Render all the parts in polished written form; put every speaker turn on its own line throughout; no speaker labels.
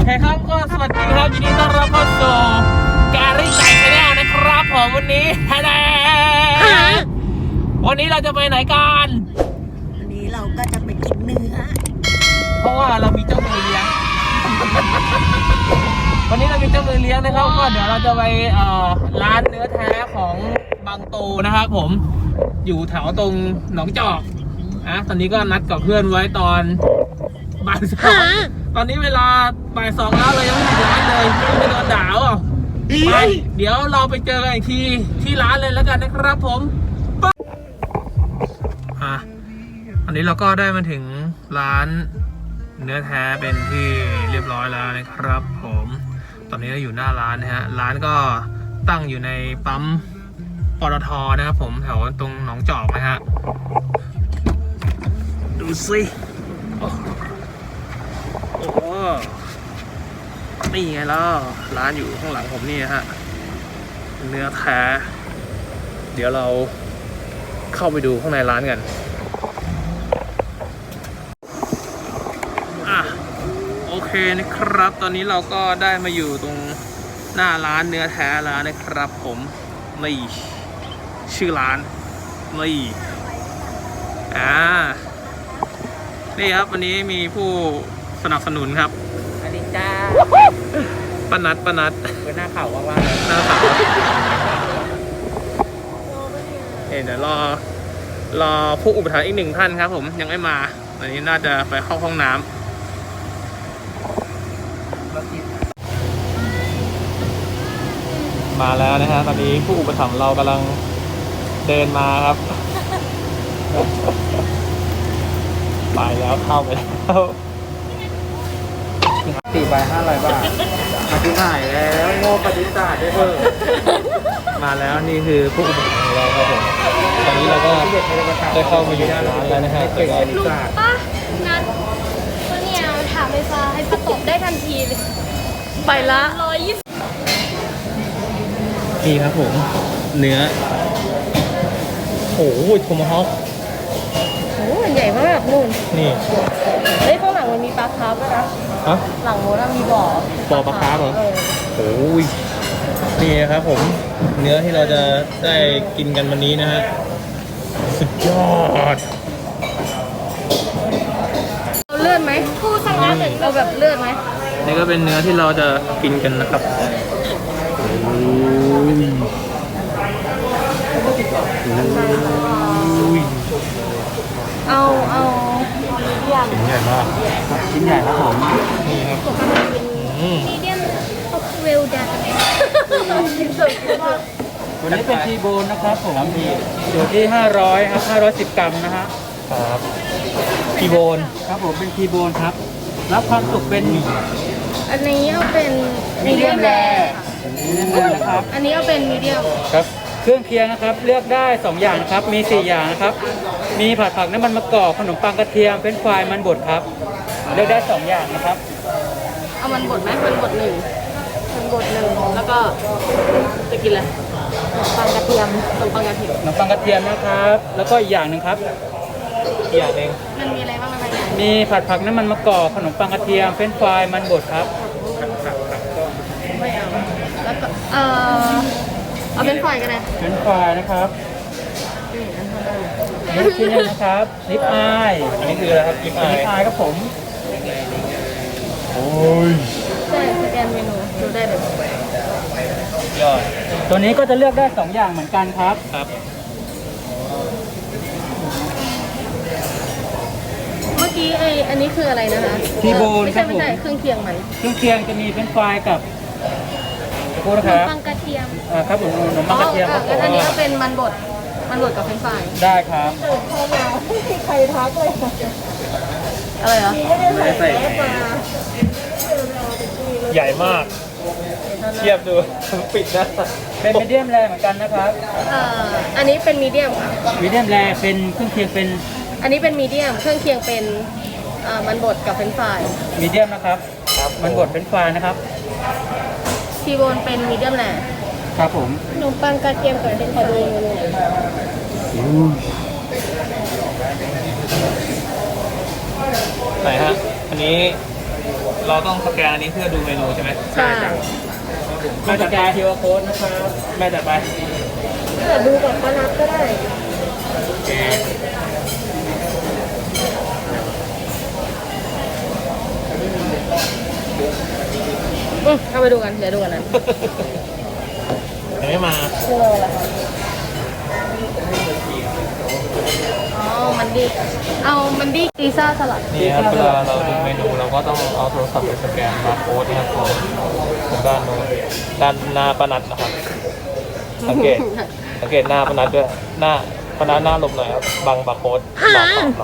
ครับก็สวัสดีครับยินดีต้อนรับเข้าสู่แกรี่ไก่ชาแนลนะครับผมวันนี้วันนี้เราจะไปไหนกัน
วันนี้เราก็จะไปกินเนื้อ
เพราะว่าเรามีเจ้ามือเลี้ยงวันนี้เรามีเจ้ามือเลี้ยงนะครับก็เดี๋ยวเราจะไปร้านเนื้อแท้ของบางโตนะครับผมอยู่แถวตรงหนองจอกตอนนี้ก็นัดกับเพื่อนไว้ตอนบ่ายสองตอนนี้เวลาบ่ายสองแล้วเรายังไม่ถึงร้านเลยไม่โดนด่าอ่ะไปเดี๋ยวเราไปเจอกันอีกทีที่ร้านเลยแล้วกันนะครับผมอันนี้เราก็ได้มาถึงร้านเนื้อแท้เป็นที่เรียบร้อยแล้วนะครับผมตอนนี้เราอยู่หน้าร้านนะฮะร้านก็ตั้งอยู่ในปั๊มปตทนะครับผมแถวตรงหนองจอกนะฮะดูสิโอ้โหนี่ไงล่ะร้านอยู่ข้างหลังผมนี่ฮะเนื้อแท้เดี๋ยวเราเข้าไปดูข้างในร้านกันโอเคนะครับตอนนี้เราก็ได้มาอยู่ตรงหน้าร้านเนื้อแท้แล้วนะครับผมนี่ชื่อร้านนี่นี่ครับวันนี้มีผู้สนับสนุนครับ
สวัสดีจ้า
ป้านัดเป็นหน้าข่าวว่างๆหน้าข่าวเดี๋ยวรอผู้อุปถัมภ์อีกหนึ่งท่านครับผมยังไม่มาวันนี้น่าจะไปเข้าห้องน้ำมาแล้วนะฮะตอนนี้ผู้อุปถัมภ์เรากำลังเดินมาครับไปแล้วเข้าไปแล้ว
4 ใบ 500 บาทมาที่ไหนแล้วโง่ปฏิบัติได้เพิ่ม
มาแล้วนี่คือผู้อุปถัมภ์ของเราครับผมตอนนี้เราก็ได้เข้ามาอยู่ในร้านแล้วนะฮะแต่ก็
ป้านัดก็เนี่ยถามไฟฟ้าให้ประตบได้ทันทีเลยไปละ120
นี่ครับผมเนื้อโอ้โหโทมาฮอค
โอ้มันใหญ่มากนู่น
นี่
เฮ้ยข้างหลังมันมีปลาคาร์ฟด้วยนะหลังโน้นมีบ่อ
ปลาคาร์ฟเหรอโอ้ยนี่ครับผมเนื้อที่เราจะได้กินกันวันนี้นะฮะสุดยอด
เอาเลือดไหมผู้สั่งร้านหนึ่งเอาแบบเลือดไหม
นี่ก็เป็นเนื้อที่เราจะกินกันนะครับ
เอา
ชิ้นใหญ่มาก
ชิ้นใหญ่ครับผม
นี่ครับ
มีเดียมเวลดัน
วันนี้เป็นทีโบนนะครับผมอยู่ที่500ครับ510 กรัมนะฮะ
ครับทีโบน
ครับผมเป็นทีโบนครับรับความสุกเป็น
อันนี้เอาเป็นมีเดียมแร
นะครับ
อันนี้เอาเป็นมีเดียม
ครับเครื่องเคียงนะครับเลือกได้2อย่างนะครับมี4อย่างนะครับมีผัดผักน้ำมันมะกอกขนมปังกระเทียมเฟรนช์ฟรายมันบดครับเลือกได้2อย่างนะครับ
เอามันบดไหมมันบด1แล้วก็จะกินอะไรปังกระเทียมขนมปังกระเทียม
นะครับแล้วก็อีกอย่างหนึ่งครับ
อีกอย่างหนึ่ง
มันมีอะไรบ้าง
มีผัดผักน้ำมันมะกอกขนมปังกระเทียมเฟรนช์ฟรายมันบดครับ
ไม่เอาแล้วก็เอาเป็นฝ่ายกันเลย
เฟรนช์ฟรายนะครับนี่ชิ้นนึงนะครับลิปอาย
อันนี้คืออะไรครับลิปอาย
ครับผม
โอ้ย
ใช่สแกนเมนูดูได้เลย
ยอด
ตัวนี้ก็จะเลือกได้2อย่างเหมือนกันครับ
เมื่อกี้อันนี้คืออะไรนะคะ
ทีโบนครับผม
ไม่ใช่เครื่องเคียงมัน
เครื่องเคียงจะมีเฟรนช์ฟรายกับ
ขนมปังกระเทียม
ครับผมขนมปังกระเทียมครับ
อันนี้ก็เป็นมันบดกับเฟรนช์ฟราย
ได้ครับ
ไม่มีใครทักเลยอะไรเหรอ
ไม่ได้ใส่ใหญ่มากเทียบดูปิดนะ
เป็นมีเดียมแรเหมือนกันนะครับ
อันนี้เป็นมีเดียมค่ะ
มีเดียมแรเป็นเครื่องเคียงเป็น
อันนี้เป็นมีเดียมเครื่องเคียงเป็นมันบดกับเฟรนช์ฟราย
มีเดียมนะครับมันบดเฟรนช์ฟรายนะครับ
ทีโบนเป็นมีเดียมแร
ครับผม
ขนมปังกระเทียมกับเป็นขอดู
ไหนฮะอันนี้เราต้องสแกนอันนี้เพื่อดูเมนูใช่ไหม
ใช่
แม่จัดการ QR code นะครับ
แม่จัดไป
ดูกับป้านัทก็ได้
โอเค
เอาไปดูกันเดี๋ยวดูกันนะ
ยังไม่มา
ชื่ออะไรคะอ๋อมันดีเอามันดีซีซ่าสลัด
นี่ครับเวลาเราดูเมนูเราก็ต้องเอาโทรศัพท์ไปสแกนบาร์โค้ดนะครับของด้านโน้นด้านหน้าปานัดนะครับสังเกตหน้าปานัดด้วยหน้าปานัดหน้าหลบหน่อยครับบังบาร์โค้ดบังเรา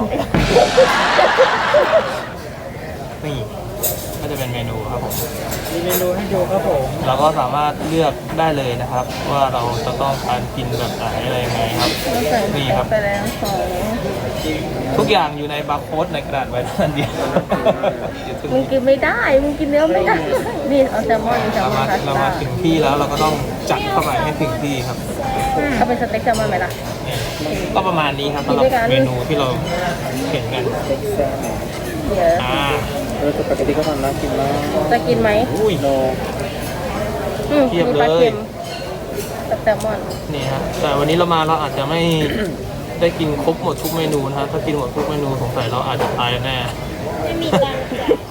นี่ก็จะเป็นเมนูครับผม
มีเมนูให้ดูครับผม
เราก็สามารถเลือกได้เลยนะครับ ว่าเราจะต้องการกินแบบไหนอะไรยังไงครับนี่ครับ
ไปแล้วสอง
ทุกอย่างอยู่ในบาร์โค้ดในกระดาษไว้ท่านเดียว
มึงกินไม่ได้มึงกินเนื้อไม่ได้นี่เอาแซลมอนแซล
เรา
มอ
มาน
พาส
เรา
ต้า
มาถึงที่แล้วเราก็ต้องจัดเข้าไปให้ถึงที่ครับ
เอาเป็นสเต็กแซลมอนไหมล่ะ
นี่ก็ประมาณนี้ครับสำหรับเมนูที่เราเห็นกัน
เดี๋ยว
สปาเกตตี้ก็ทำน่ากินมาก
จะกินไหม
อุ้ย
โน
เทียบ
มีปลา
เลย
เค็มกับแซลมอน
นี่ฮะแต่วันนี้เรามาเราอาจจะไม่ ได้กินครบหมดทุกเมนูนะฮะถ้ากินหมดทุกเมนูสงสัยเราอาจจะตายแน่
ไม่มีตังค์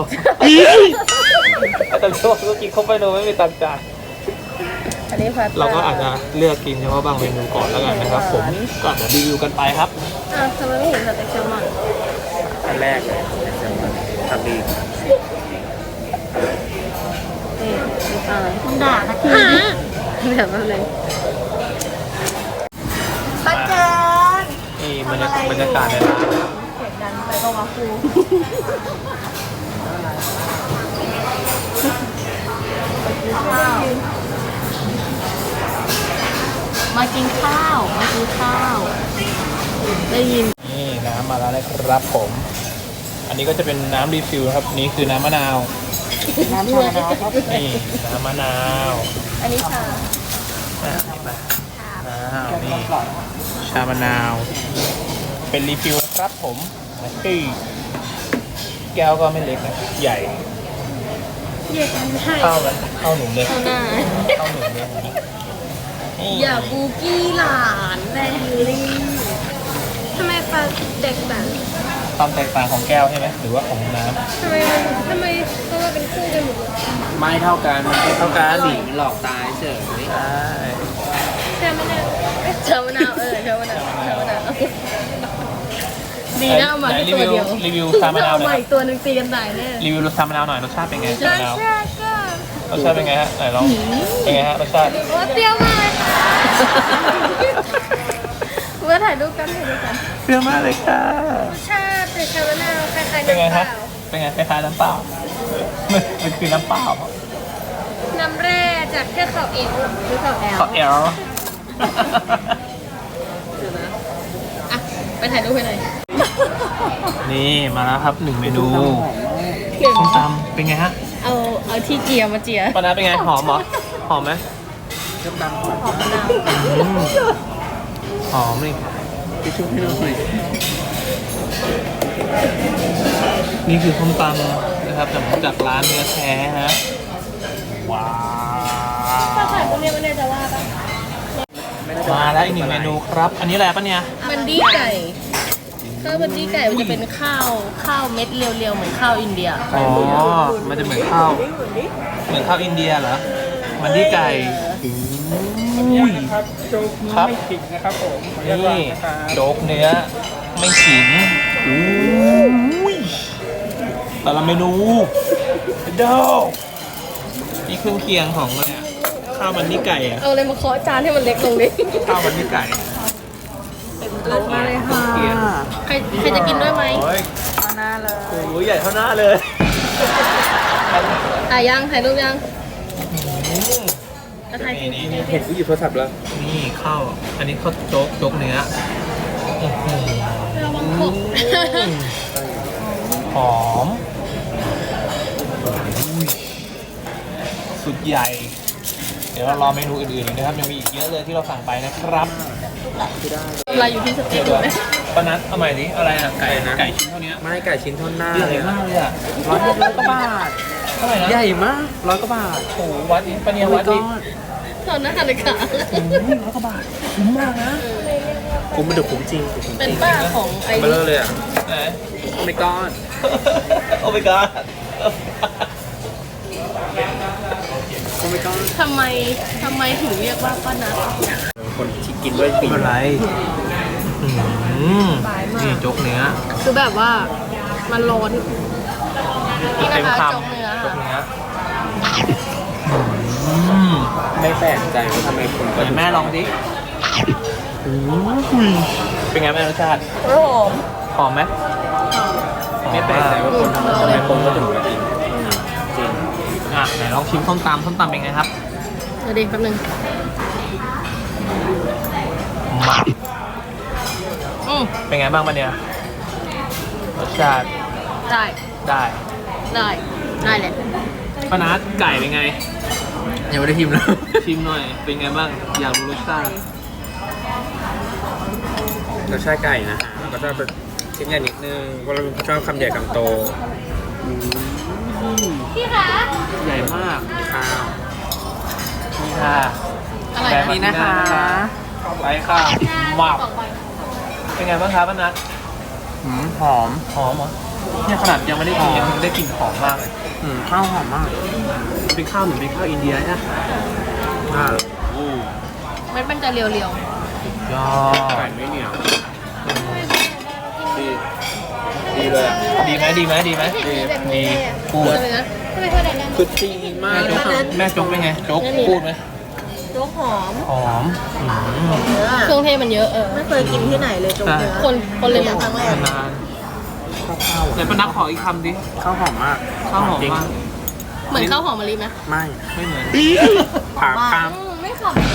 แต่ช่วงก็กินครบเมนูไม่มีตังค์จ่าย
อันนี้พาสต้า
เราก็อาจจะเลือกกินเฉพาะบางเมนูก่อนแล้วกันนะครับ ผมก็อาจจะรีวิวกันไปครับ
อ้าวทำไมไม่เห็นสเต็กแซลมอน
อันแรกเลยทำดี
นี่คุณด่าสักทีเดี๋ยวแป๊บนึง
ป้าเจิน
นี่บรรยากาศในร้าน
เสียงดังไปก็ว่าครูมากินข้าวมากินข้าวได้ยิน
นี่น้ำมาแล้วนะครับผม อันนี้ก็จะเป็นน้ำรีฟิลครับนี่คือน้ำมะนาว
น้ำชาแล้วครับ
นี่น้ำมะนาว
อันนี้ชา
นี่ชามะนาว เป็นรีฟิลนะครับผมที่แก้วก็ไม่เล็กนะใหญ่
เรียกกันให้
เข้ากันเข้าหนุ่มเลย
เข้าหน้า
เข้าหนุ่มเลยนี่
อย่าบูกี้หลานแบยูรี่ทำไมปลาเด็กแบบ
ความแตกต่างของแก้วใช่ไหมหรือว่าของน้ำ
ทำไมต้องมาเป็นคู่กันหมดเลย
ไม่เท่ากันมันไม่เท่ากันสีหลอกตายเฉย
ใช่
ชามะนาวชามะนาวชามะนาวชามะนาวดีนะเอามาแค่ตัวเดียว
รีวิวชามะนาวห
เอา
น่
มา
อย
อีกตัวหนึ่งตีกันตายแน่
รีวิวชามะนาวหน่อยรสชาติเป็นไง
ร
ชามะ
ส
นาว
ชาติก็
รสชาติเป็นไงฮะไหนลองเป็นไงฮะรสชาติ
โอ้เปรี้ยวมากเลยค่ะเมื่อถ่ายรูปกัน
เปรี้ยวมากเลยค่ะ
รสชาติเป็นชามะนาวคล้ายๆ
เป็นไง
น้ำเป
ฮะ
ล่า
เป็นไงคล้ายๆน้ำเปล่ามันคือน้ำเปล่า
น้ำแร่จากเทือกเขาเอลหรือเขาแอล
ขอแอล
อ่ะไปถ่ายรูปให้หน่อย
นี่มาแล้วครับ1เมนูส้มตำเป็นไงฮะ
เอาที่เจียมาเจีย
ปานาเป็นไงหอมเหรอหอมไหม
น้ำดำหอม
หอมมะนาว
อืมหอมเลย
ทิชชู่ให้หน่อย
นี่คือส้มตำนะครับจากร้านเนื้อแท้ฮะว้า
ถ้าถ่ายพวกนี้มันเนี่ยจะว่าปะ
มาแล้วอีก1เมนูครับ อันนี้อะไรปะเนี่ย
มันดีไก่ข้าวมันดีไก่มันจะเป็นข้าวเม็ดเรียวๆเหมือนข้าวอินเดีย
อ๋อมันจะเหมือนข้าวอินเดียเหรอมันที่ไก่อุ้ย
ครับโจ๊ก
ครับ
ไม่ขิงนะครับผม
นี่โจ๊กเนื้อไม่ขิงอุ้ยแต่ละเมนูเด้อนี่เครื่องเคียงของอะไรอะข้าวมันนี่ไก่อะ
เอาอะไรมาเคาะจานให้มันเล็กลงดิ
ข้าวมันนี่ไก่
มาเลยค่ะใครจะกินด้วยไหม
โอ้ย
เอาหน้าเลย
โอ้ยใหญ่เท่าหน้าเลย
ถ่ายยังถ่ายรูปยัง
อืม
จะถ่ายกิน
นี่
เห็นผู้หยิบโทรศัพท์แล้ว
นี่ข้าวอันนี้ข้าวโจ๊กเนื้ออื้อหือ
ระวังขบ
หอมอุ้ยสุดใหญ่ เดี๋ยวเรารอเมนูอื่นๆอีกนะครับ ยังมีอีกเยอะเลยที่เราสั่งไปนะครับ
เราอยู่ที่สเต็กไหม
ปานัทเอาใหม่ดิอะไรอะไก่ชิ้นเท่านี้
ไม่ไก่ชิ้นเท่าหน้า
ใหญ่มากเลยอะ
100 กว่าบาท
เท่าไหร่นะ
ใหญ่มาก100 กว่าบาท
โอ้โหวัดนี้ปะเนี่ยวัดนี้
ตอนนั้นนาฬิกา
100 กว่าบาทคุ้มมากนะคุ้มมันเดือดคุ้มจริง
เป็นป้าของไอ้
เบลอเลยอ่ะ
ไหน
โอ้ my god
โอ้ my god
โอ้ my god
ทำไมถึงเรียกว่าป้านัท
คนที่กินด้วยปี
ไม่เป็นไรนี่โจ๊กเนื้อ
คือแบบว่ามันร้อนนี่
เต็ม
นะคะ
คำ
จงเนื้อ
โจ๊กเนื้อ
ไม่แปลกใจว่าทำไมคน
เดี๋ยวแม่ลองดิเป็นไงแม่รสชาติ
หอม
หอมไหม
ไม่แปลกใจว่าคนทำไมคนก็ถึงมากินจริง
อ่ะไหนลองชิมส้มตำเป็นไงครับ
เดี๋ยวดิแป๊บนึง
หมัก
อืม
เป็นไงบ้างมันเนี่ยรสชาติ
ได้
ได้
ได้เลย
ป้านัทไก่เป็นไง
ยังไม่ได้ชิมเลย
ชิมหน่อย เป็นไงบ้าง อยากรู้รสชาติ
รสชาติไก่นะฮะก็จะเป็นชิ้นใหญ่นิดนึงเพราะเราชอบคำใหญ่คำโต
พี่คะ
ใหญ่มาก
ข้าว
นี่ค่ะ
อะไร
แบ
นะ
บนี้นะคะไปค่ะหมักเป็นไงบ้างครับป้านัท
หอม
หอมเหรอเนี่ยขนาดยังไม่ได้กินยังได้กลิ่นหอมมากเลย
ข้าวหอมมาก
เป็นข้าวเหมือนเป็นข้าวอินเดียนะ
มันจะเรียว
ยอ
ไก่
ด
ไม่เหนียวดีดีเลย
ดีไหมดีพูด
ๆเลยนะ
คือดีมาก
แม่โจ๊กเป็นไงโจ๊กพูดไหม
โจ๊กหอม
หอม
เนื้อ
เครื่องเทศมันเยอะ
ไม่เคยกินที่ไหนเลยโจ๊กเนื้อ
คนเลย
ค
มั้ง
รั้งแรก
นานไหนป้านัทขออีกคำดิ
ข้าวหอมมาก
ข้าวหอม
จริง
มาก
เหมือนข้าวหอมมะลิไหม
ไม่
ไม่เหมือน
ผ่าข้าม
ไม่ขำ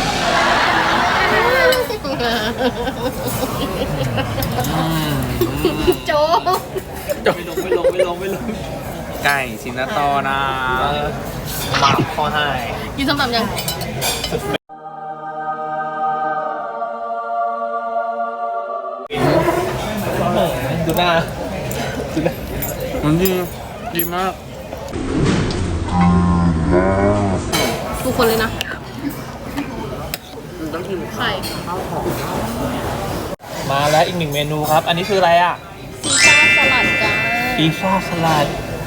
โจ๊ก
ไม่ลง
ไก่ชินาโตนะ
หมักข้อให้
กินส้มตำยัง
ดูหน้า
มันดีมาก
ทุกคนเลยนะ
ต้องกิน
ไข่
มาแล้วอีกหนึ่งเมนูครับ อันนี้คืออะไรอ่ะ
ซีซ่าสลัดจ้า
ปีซ่าสลัด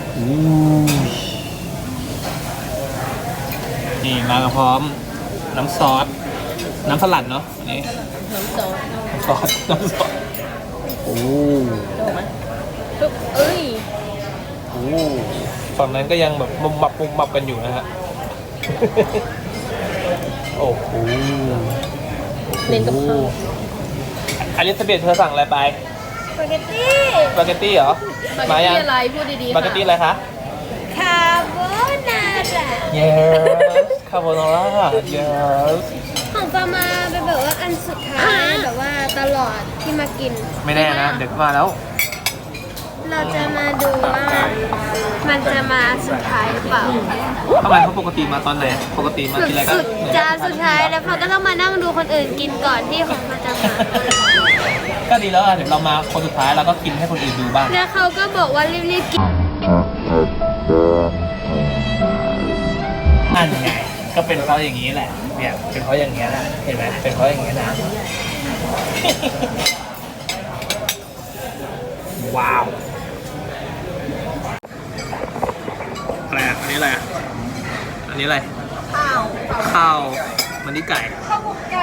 นี่มากับพร้อมน้ำซอส น้ำสลัดเนาะอันนี้
น้ำซอส
น้ำซอสโอ้
ปึ๊บเอ้ย
โหฝั่งนั้นก็ยังแบบมุมมับกันอยู่นะฮะ โอ้โห
เน้นกับข้าว
อลิซาเบธเธอสั่งอะไรไป
สปาเกตตี้
สปาเกตตี้เหรอ
สปาเก
มา
ต
ยัง
ตี้อะไรพูดดี
ส
ๆ
ปาเกตตี้อะไรคะ
คาโบนาร่า
yes คาโบนาร่า yes
ของปามาเป็นแบบว่าอันสุดท้ายแบบว่าตลอดที่มากิน
ไม่แน่นะ เดี๋ยวก็มาแล้ว
เราจะมาดูว่ามันจะมาสุดท้ายหรือเปล่า
ทำไมเขาปกติมาตอนไหน ปกติมากินอะไรกัน
สุดจานสุดท้ายแล้วเขาก็ต้องมานั่งดูคนอื่นกินก่อนที่ของเขาจะมา
ก็ดีแล้วอ่ะเดี๋ยวเรามาคนสุดท้ายเราก็กินให้คนอื่นดูบ้าง
แล้วเขาก็บอกว่ารีบๆกิน
นั่นไง ก็เป็นเพราะอย่างนี้แหละ เนี่ย เป็นเพราะอย่างนี้แหละ เห็นไหมเป็นเพราะอย่างนี้นะ ว้าว อะไรอ่ะ อันนี้อะไรอ่ะ อันนี้อะไร ข้าว มันนี่ไก่
ข้าวหมกไก่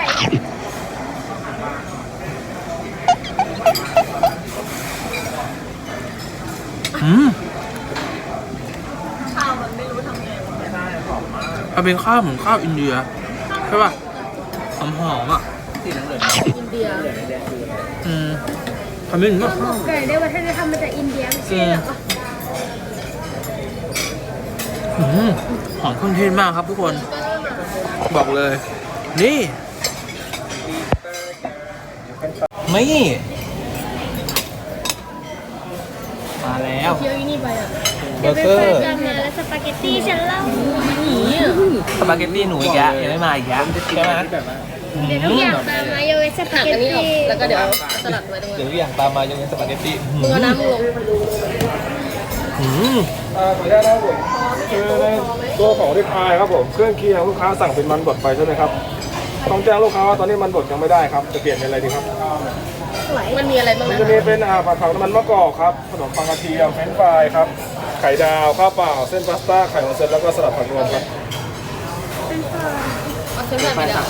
มันเป็นข้าวเหมือนข้าวอินเดียใช่ป่ะ
หอมอ่ะ
อินเดีย
ทำไม่ถึงก็
ข้าวหมกไก่ได้วัฒนธรรมมาจากอินเดียไม่ใช่เหรอ
หอมเครื่องเทศมากครับทุกคน บอกเลย นี่
ไม่ มาแล้ว
เคี้ยวอีนี่ไปอ่ะ
เบอร์เกอร์
จะมาแล้วสปาเกตตี้ฉันเล่า
หนีอ่ะ
สปาเกตตี้หนูอีกแล้วยังไม่มาอีกแล้วใช่ไหม
เดี๋ยวทุกอย่างตามมาโยเวสปา
หัก
เกต
อันนี้ออก
ตี้
แล้วก็เดี๋ยวสลัดไว้ตรง
เดี๋
นั้
ยวน ทุกอย่างตามมายังเป็นสปาเกตตี้
มึงเอาน้ำลง
อืม
ขออนุญาตนะครับผมคือในตัวของริบอายครับผมเครื่องเคียงลูกค้าสั่งเป็นมันบดไปใช่ไหมครับต้องแจ้งลูกค้าว่าตอนนี้มันบดยังไม่ได้ครับจะเปลี่ยนเป็นอะไรดีครับ
มันมีอะไรบ้าง
มัน
นะ
จะมีเป็นผัดผักน้ำมันมะกอกครับขนมปังกระเทียมเฟรนช์ฟรายครับไข่ดาวข้าวเปล่าเส้นพาสต้าไข่ออนเซ็นแล้วก็สลัดผักรวมครับ
เอาเส้นแบบไปเดี๋ยว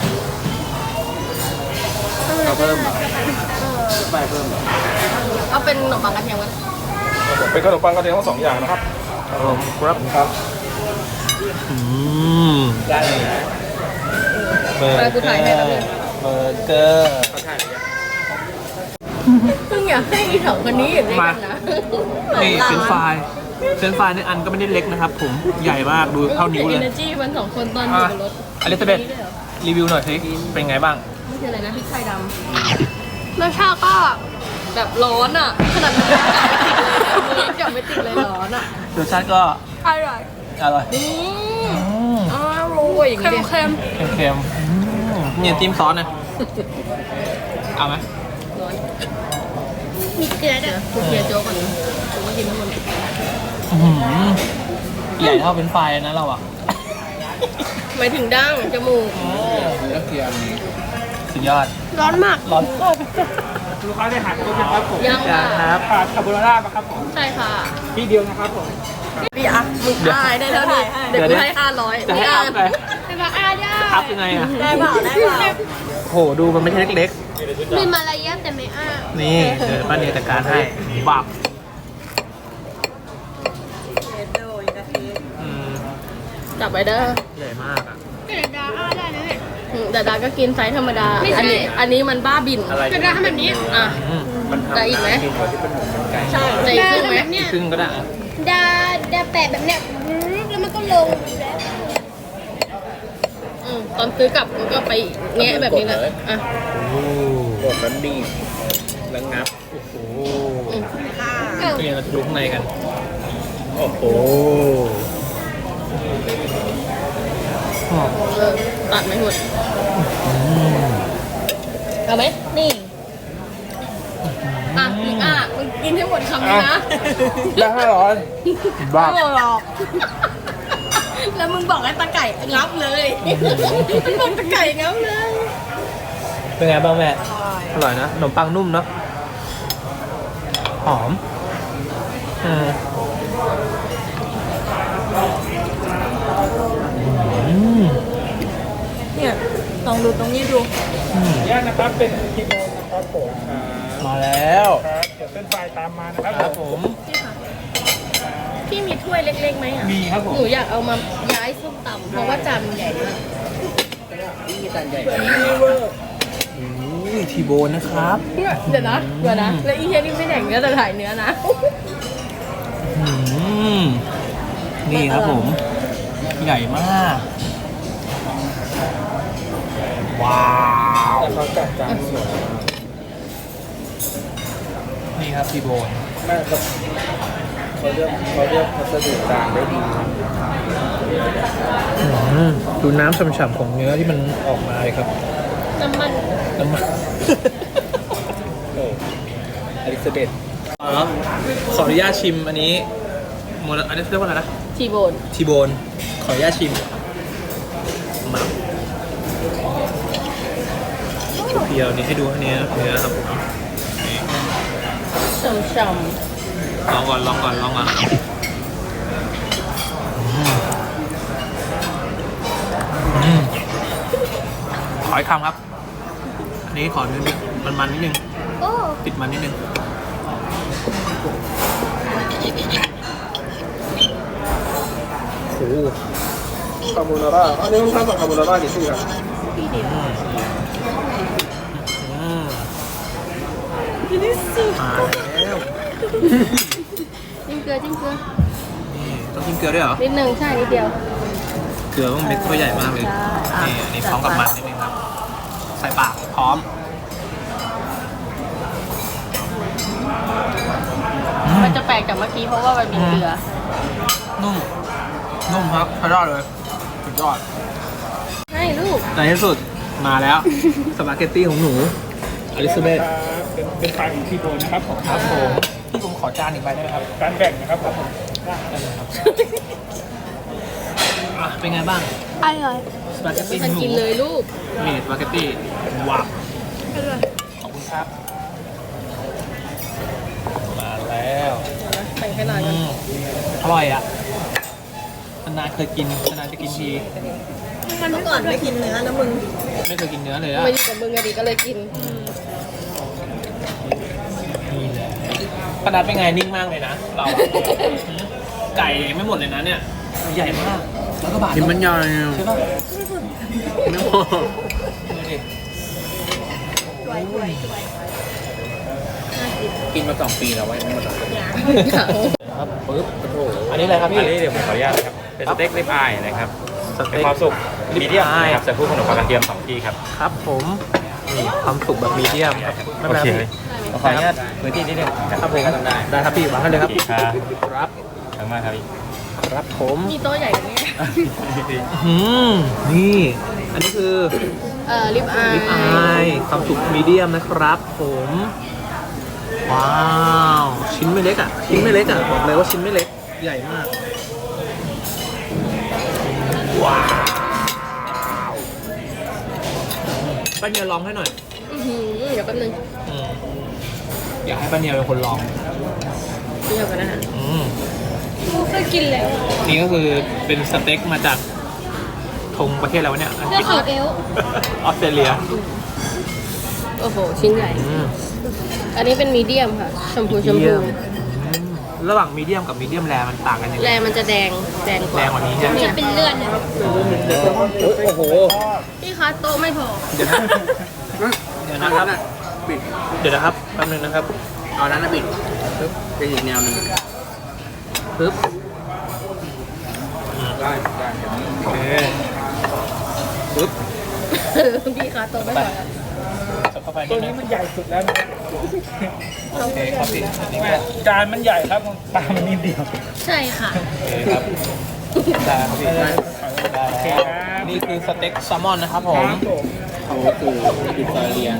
เอาเพิ่มเหรอไปเพิ่มเหรอ
เอาเป็นขนมปังกระเทียมกัน
ครับผมเป็นขนมปังกระเทียมทั้งสองอย่างนะครับ
ครับ
ครับ
ได้เลยเบอร์
ไปกูถ่ายให้แล้วนึง
เบอร์เกอร์
เพิ่งอยากให้อีสองคนนี้อยู่ด้วยกันนะ
นี่เฟรนช์ฟรายนี่อันก็ไม่ได้เล็กนะครับ ผมใหญ่มากดูเท่านิ้วเลย
เอเนอร์จีมันสองคนตอนอยู่บนรถ
อลิซาเบธรีวิวหน่อยสิเป็นไงบ้าง
ไม่ใช่อะไรนะพริกไทยด
รสชาติก็
ำแบบร้อนอ่ะขนาดมันจับไม่ติดเลยร้อนอ่ะ
รสชาติก็
อร่อย
อร่อย
อ้าวโรยอย่าง
เค็
นี้
ม
ดิ
เค็ม
เค็มเนี่ยจิ้มซอสนะเอาไหม
ร้อน
ๆมีเกลือด้วย
กูเคลียร์โจ๊กก่อนนะกูไม่กินทั้งหมด
อื้อหือใหญ่เท่าเป็นไฟรายนะเราอ่ะ
หมายถึงดั้งจมูก
แล้วเกียมสุดยอด
ร้อนมาก
ร้อน
ลูกค้าได้หันตัวนะครับผม
ยังค่ะ
ครับ
ขาดคาโบนาร่าป่ะครับผม
ใช่ค่ะ
ที่เดียวนะครับผม
พี่อ่ะมึงได้ได้แล้วนี่เดี๋ยวกูให้500
จะให้อัพไง
แต่ว่าอาได้
อัพยังไงอ่ะ
ได้เปล่าได้เปล่า
โหดูมันไม่ใช่เล็ก
มีมารยาทแต่ไม่อ้า
ๆนี่เดี๋ยวป้าเนียจัดการให้บับอืม
จับไปเด้อ
ใหญ่มากอ่ะ
แต่ดาอ้าได้นะเนี่ย
แต่ดาก็กินไซส์ธรรมดา
ไม่ใช่
อันนี้มันบ้าบิน
แต่ดาทำแบบนี้
อ่ะ
อืม
แต่อีกไหมใช่แต่อีก
ดา
ครึ่ง
ทำ
ไหม
แบบเนี้ย
ครึ่งก็ได้อะ
ดาแปะแบบเนี้ยแล้วมันก็ลงแล้ว
ตอนซื้อกลับมันก็ไปแงะแบบนี้แหละอ่ะ
กดมันดีแล้วงับโอ้โห
เอ้า
นี่เราจะดูข้างในกันโอ้โห
ตัดไม่หมดเอาไหมนี่อ่ะมึงมึงกินให้หมดคำนี้นะ
ได้500บ้า
ไม่หรอกแล้วมึงบอกให้ตาไก่งับเลยมึงบอกตาไก่งับเลย
เป็นไงบ้างแม่อร่อยนะขนมปังนุ่มเนาะหอม
เนี่ยลองดูตรงนี้ดู
ญาตนะครับเป็นกิโลนะครับผม
มาแล้ว
ครับเดี๋ยวเป็นไฟตามมานะครับ
ครับผม
พี่มีถ้วยเล็กๆไหมอ่ะ
มีครับผม
หนูอยากเอามาย้ายส้มตำเพราะว่าจานมันใหญ่มาก
ทีโบนนะครับ
เดี๋ยวนะแล้วอีเทียนี่ไม่แดกเนื้อแต่ถ่ายเนื้อนะ
นี่ครับผม ใหญ่มาก ว้าว
แต่เขาจัดจานสวย
นี่ครับทีโบน
แม่ครับเขาเลือกวัสดุจานได้ดี
ดูน้ำฉ่ำๆของเนื้อที่มันออกมาเลยครับ
น้ำมัน
น้ำมัน
อลิซาเบธ
ขออนุญาตชิมอันนี้อันนี้เรียกว่าอะไรนะ
ทีโบน
ทีโบน ขออนุญาตชิมมาเพียวๆนี่ให้ดูเนื้อครับผม
ฉ่ำ
ลองก่อนขออีกคำครับ อันนี้ขอนิดนึงมันนิดนึง
โอ้
ติดมันนิดนึงโอ้โห
คาโบนาร่าอันนี้ลูกค้าสั่งคาโบนาร่ากี่ชิ้นครับ
มาแล้ว
จิ้มเกลือ
นี่ต้องกินเกลือด้วยเหรอ
นิดนึงใช่นิดเดียว
เกลือต้องเม็ดตัวใหญ่มากเลย
ใช่
นี่อันนี้พร้อมกับมันนิดนึงครับ ใส่ปากพร้อม
มันจะแปลกจากเมื่อกี้เพราะว่ามันมีเกลือ
นุ่มครับใช้ได้เลยสุดยอด
ให้ลูก
ในที่สุดมาแล้ว สปาเกตตี้ของหนูอลิซาเบธ
เป็นไฟของทีโบนนะครับผม
ครับผมพี่ผมขอจานอีกใบได้ไหมครับ
การแบ่งนะครับผม
ได้เลยครับอ่ะเป็นไงบ้าง
อร่อย
สปาเกตตี้
ทัน
หมู
กินเลยลูก
นี่สปาเกตตี้ว้าว
อร่อย
ขอบคุณครับ มาแล้ว
แบ่งให้หน่อย
อืมอร่อยอ่ะนานๆเคยกินนานๆจะกินที
เมื่อก่อนไม่กินเนื้อนะมึง
ไม่เคยกินเนื้อเลยอ่ะ
มาอยู่กับมึงอะดิก็เลยกิน
นี่แหละขนาดเป็นไงนิ่งมากเลยนะ เราอะหืมไก่ไม่หมดเลยนะเนี่ย ใหญ่มาก แล้วก็บาท
กินมันใหญ่
ใช่ป่ะ
ไม่พอ
ดูดิ
กินมา2 ปีแล้วไว้ไม่หมดแล้ว
ครับปึ๊บอันนี้อะไรครับพี่
อันนี้เดี๋ยวผมขออนุญาตนะครับ เป็นสเต็กริบอายนะครับ
ส
เป็
เต็
น
ก
ความสุก
ริบ
มีเดียม
อาย
นะครับใส่คู่ขนมปังกระเทียม2 ที่ครับ
ครับผมนี่ความสุกแบบมีเดียมครับไม่
โอ
เป็นไร
เค
พี่
ขออนุญาตพื้นที่นิดนึง
ครับผม
ได้
ได้ครับพี่วางให้เลยครับ
ครับ
ครับ
ขอบคุณมากครับพี่
ครับผม
มีโต๊ะใหญ่กว่านี้
นี่ อันนี้คือ
ลิปอาย
ลิปอายความสุกมีเดียมนะครับผม ว้าว ชิ้นไม่เล็กอ่ะ ชิ้นไม่เล็กอ่ะ บอกเลยว่าชิ้นไม่เล็ก ใหญ่มาก ว้าวป้าเนียลองให้หน่อย
เดี๋ยวแป๊บนึง
อยากให้ป้าเนียเป็นคนลอง
เดี๋ยวกันนะฮะ
กูเคยกินแล้ว
นี่ก็คือเป็นสเต็กมาจากธงประเทศอะไรวะเนี่ย
เพื่อเขาเอล
ออสเตรเลีย
โอ้โห ชิ้นใหญ่ อันนี้เป็นมีเดียมค่ะ ชมพูชมพู
ระหว่างมีเดียมกับมีเดียมแรมันต่างกันยังไง
แรงมันจะแดงกว่า
แรงกว่านี้ใช่ไหม
จะเป็นเลือดนะ
โอ้โห
พี่คะโต๊ะไม่พอ
เดี๋ยวนะเดี๋ยวนะครับเดี๋ยวนะครับแป๊บนึงนะครับ
เอานั้นนะบิดเป็นอีกแนวหนึง
ปึ๊บ
ได้
โอเคปึ๊บ
พี่คะโต๊ะไม่พอ
จับเข้าไป
ตัวนี้มันใหญ่สุดแล้วนะ
โอเคครับพี่อันนี้ก็
จานมันใหญ่ครับปลามันนิดเดียว
ใช่ค่ะ
โอเคครับได้ครับพี่ได้แล้วนี่คือสเต็กแซลมอนนะครับผม
เขาคืออิตาเลียน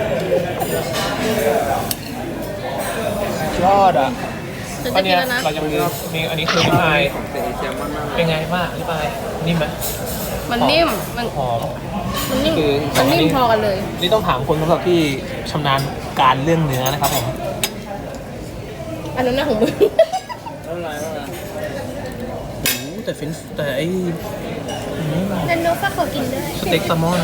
ยอดอ่ะ
ฉัน
อั
จะ
น
กิ
เนี้
น
ย
แล้วนะ
เราจะมีอันนี้คือลิปอาย
เป็นเอเชียมาก
เป็นไงบ้างลิปอายนิ่มไหม
มันนิ่ม มัน
หอม
มันนิ่ม
คือ
มันนิ่มพอกันเลย
นี่ต้องถามคนสำหรับที่ชำนาญการเรื่องเนื้อนะครับผม
อันนั้นน่ะของมึง
โอ้โหแต่ไอ้
นันโนฟ้าขอกินด้วย
สเต็กแซลมอน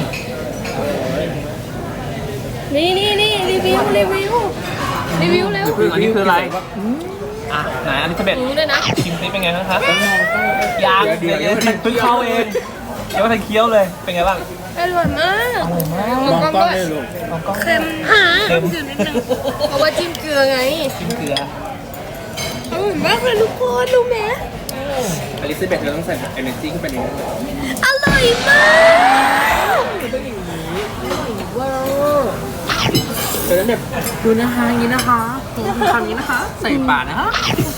นี่รีวิวเร็ว
อันนี้คืออะไรอ่ะไหนอันนี้จะเบ็ด
รู้ด้วยนะ
ชิมซิเป็นไงบ้างคะยางเดี๋ยวเพิ่งเข้าเองเดี๋ยวมาทันเคี้ยวเลย เป็นไงบ้าง
อร่อยมาก
ๆมองกล้องได้ลูก
ลองกล้อง
เค็ม
เค็ม
อยู่นิดนึง
เพราะว่าจิ้มเกลือไง
ชิมเกลือ
อร่อยมากเลยทุกคนรู้ไหม
อลิซาเบธเราต้องใส่เอเนจีขึ้นไปนิดนึง
อร่อยมาก
เออแบบดูนะคะอย่างนี้นะคะทำอย่างนี้นะคะ ใส่ปากนะคะ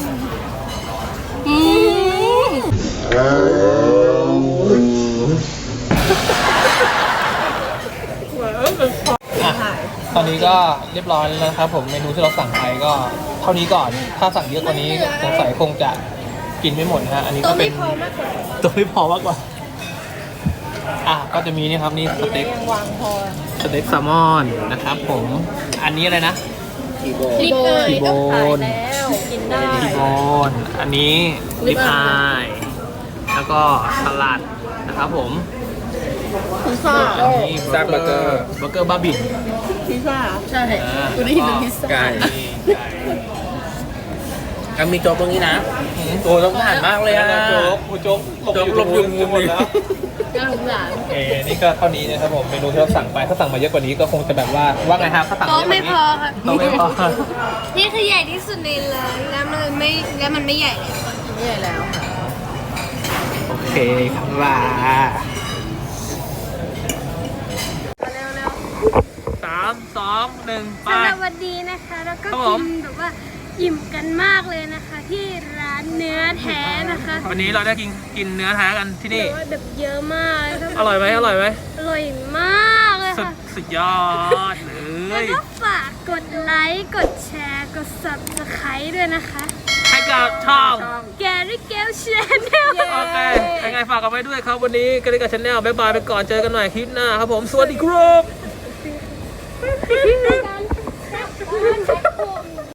อ่ะตอนนี้ก็เรียบร้อยแล้วนะครับผมเมนูที่เราสั่งไปก็เท่านี้ก่อน ถ้าสั่งเยอะกว่านี้สงสัยคงจะกินไม่หมดนะฮะ อันนี้ก็เป็นตัวไม่พอมากกว่า อ่ะก็จะมีนี่ครับนี่สเต็กสเต็กแซลมอนนะครับผม อันนี้อะไรนะ
ทีโบ
ลิปอาย
ทีโบ
ต้องขาย
น
แล้ว กินได้
ทีโบนอันนี้ลิปอายแล้วก็สลัดนะครับผม
พิซซ่า
อันนี้เบอร์เกอร์บ้าบิ่น
พิซซ่า ใช่
อ่า
กูได้ยินเป็นพิซซ่า
ไก่
นี่ไก่
ยังมีโจ๊กตรงนี้นะโอ้ต้องผ่านมากเลยอะ
โจ๊กโจ๊ก
โจ๊กหลบอยู่มุมนี้
น่าสงสาร
โอเคนี่ก็เท่านี้นะครับผมเมนูที่เราสั่งไปถ้าสั่งมาเยอะกว่านี้ก็คงจะแบบว่าไงครับถ้าสั่ง
โต๊ะไม่พอครับ
โต๊ะไม่พอ
นี่คือใหญ่ที่สุดในร้านแล้วมันไม่ใหญ่เลย
ใหญ่แล้วค่ะ
โอเคครับว่า
เร็ว
3 2 1 ไป
สวัสดีนะคะ แล้วก็
ครับผ
กิ
ม
นแบบว่าอิ่มกันมากเลยนะคะ ที่ร้านเนื้อแท้นะคะ
วันนี้เราได้กินเนื้อแท้กันที่นี่
แต่ว่าแบบเยอะมากเลยค่ะ
อร่อยไหมอร่อยไหม
อร่อยมากเลยค่ะ
สุดยอดเล
แล้ว
ย
ก็ฝากกดไลค์ กดแชร์ กดด subscribe ด้วยนะคะ
ให้กับช่อง
Gary Gale Channel
โอเคยังไงฝากกันไว้ด้วยครับวันนี้กันเลยกับชาแนลบ๊ายบายไปก่อนเจอกันใหม่คลิปหน้าครับผมสวัสดีครับ